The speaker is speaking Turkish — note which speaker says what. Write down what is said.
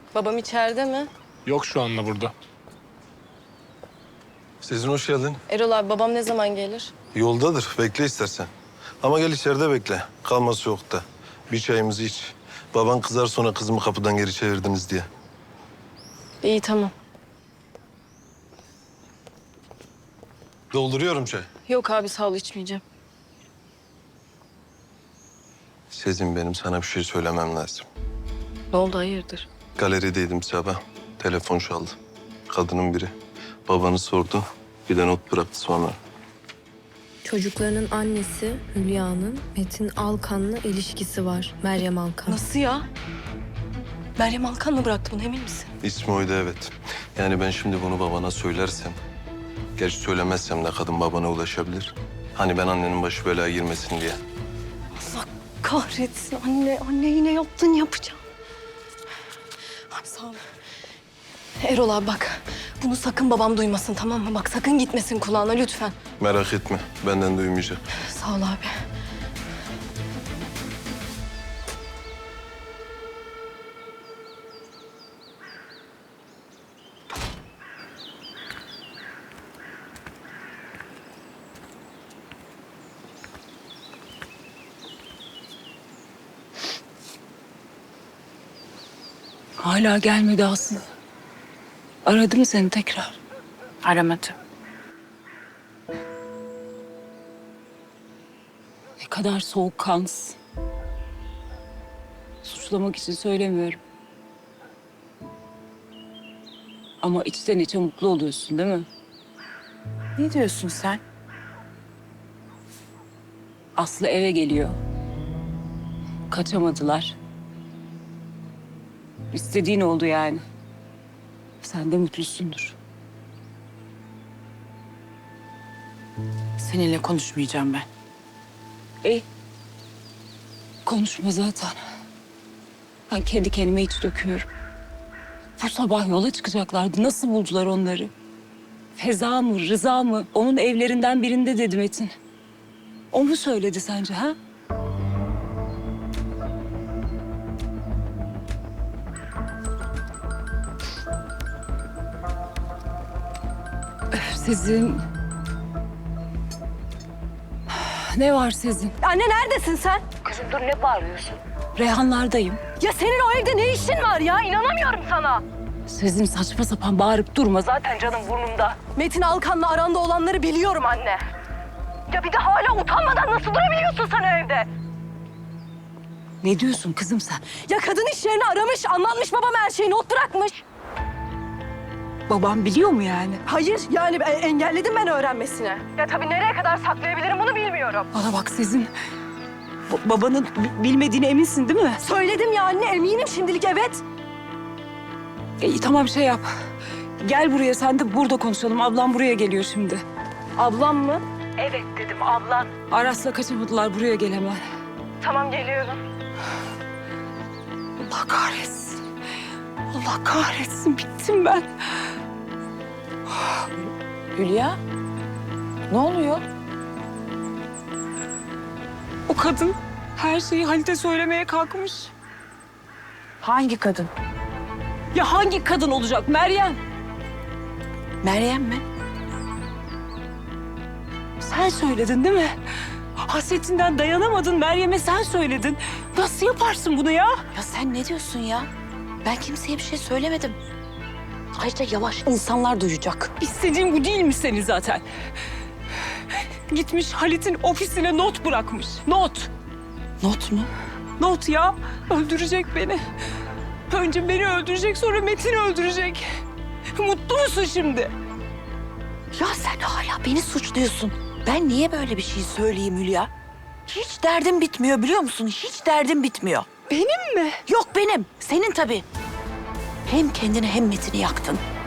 Speaker 1: Babam içeride mi?
Speaker 2: Yok şu anda burada.
Speaker 3: Sezin hoş geldin.
Speaker 1: Erol abi babam ne zaman gelir?
Speaker 3: Yoldadır. Bekle istersen. Ama gel içeride bekle. Kalmaz soğukta. Bir çayımızı iç. Baban kızar sonra kızımı kapıdan geri çevirdiniz diye.
Speaker 1: İyi tamam.
Speaker 3: Dolduruyorum çay.
Speaker 1: Yok abi sağ ol içmeyeceğim.
Speaker 3: Sezin benim sana bir şey söylemem lazım.
Speaker 1: Ne oldu hayırdır?
Speaker 3: Galerideydim sabah. Telefon çaldı. Kadının biri. Babanı sordu. Bir de not bıraktı sonra.
Speaker 4: Çocuklarının annesi Hülya'nın Metin Alkan'la ilişkisi var. Meryem Alkan.
Speaker 1: Nasıl ya? Meryem Alkan mı bıraktı bunu emin misin?
Speaker 3: İsmi oydu evet. Yani ben şimdi bunu babana söylersem... Gerçi söylemezsem de kadın babana ulaşabilir. Hani ben annenin başı belaya girmesin diye.
Speaker 1: Allah kahretsin anne. Anne yine yaptın yapacağım. Abi sağ ol. Erol abi bak. Bunu sakın babam duymasın tamam mı? Bak sakın gitmesin kulağına lütfen.
Speaker 3: Merak etme. Benden duymayacak.
Speaker 1: Sağ ol abi.
Speaker 5: Hala gelmedi Aslı. Aradı mı seni tekrar?
Speaker 6: Aramadı.
Speaker 5: Ne kadar soğukkanlısın. Suçlamak için söylemiyorum. Ama içten içe mutlu oluyorsun değil mi?
Speaker 6: Ne diyorsun sen?
Speaker 5: Aslı eve geliyor. Kaçamadılar. İstediğin oldu yani. Sen de mutlusundur.
Speaker 6: Seninle konuşmayacağım ben.
Speaker 5: Konuşma zaten. Ben kendi kendime iç döküyorum. Bu sabah yola çıkacaklardı. Nasıl buldular onları? Feza mı, Rıza mı? Onun evlerinden birinde dedi Metin. O mu söyledi sence ha? Sezin. Ne var Sezin?
Speaker 1: Anne neredesin sen?
Speaker 5: Reyhanlardayım.
Speaker 1: Ya senin o evde ne işin var ya? İnanamıyorum sana.
Speaker 5: Sezin saçma sapan bağırıp durma. Zaten canım burnumda.
Speaker 1: Metin Alkan'la aranda olanları biliyorum anne. Ya bir de hala utanmadan nasıl durabiliyorsun sen o evde?
Speaker 5: Ne diyorsun kızım sen?
Speaker 1: Ya kadın iş yerini aramış, anlatmış babam her şeyi, not bırakmış.
Speaker 5: Babam biliyor mu yani?
Speaker 1: Hayır, yani engelledim ben öğrenmesine. Ya tabii nereye kadar saklayabilirim bunu bilmiyorum.
Speaker 5: Bana bak Sezin. Babanın bilmediğine eminsin değil mi?
Speaker 1: Söyledim ya anne, eminim şimdilik evet.
Speaker 5: İyi tamam şey yap. Gel buraya sen de burada konuşalım. Ablam buraya geliyor şimdi.
Speaker 1: Ablam mı?
Speaker 5: Evet dedim ablan. Aras'la kaçamadılar buraya gel hemen.
Speaker 1: Tamam geliyorum.
Speaker 5: Allah kahretsin. Allah kahretsin bittim ben.
Speaker 6: Hülya, ne oluyor?
Speaker 5: O kadın her şeyi Halit'e söylemeye kalkmış.
Speaker 6: Hangi kadın?
Speaker 5: Ya hangi kadın olacak Meryem?
Speaker 6: Meryem mi?
Speaker 5: Sen söyledin değil mi? Hasretinden dayanamadın Meryem'e sen söyledin. Nasıl yaparsın bunu ya?
Speaker 6: Ya sen ne diyorsun ya? Ben kimseye bir şey söylemedim. Ayrıca yavaş, insanlar duyacak.
Speaker 5: İstediğin bu değil mi senin zaten? Gitmiş Halit'in ofisine not bırakmış. Not.
Speaker 6: Not mu?
Speaker 5: Not ya. Öldürecek beni. Önce beni öldürecek sonra Metin'i öldürecek. Mutlu musun şimdi?
Speaker 6: Ya sen hala beni suçluyorsun. Ben niye böyle bir şey söyleyeyim Hülya? Hiç derdim bitmiyor biliyor musun? Hiç derdim bitmiyor.
Speaker 5: Benim mi?
Speaker 6: Yok benim, senin tabii. Hem kendini hem Metin'i yaktın.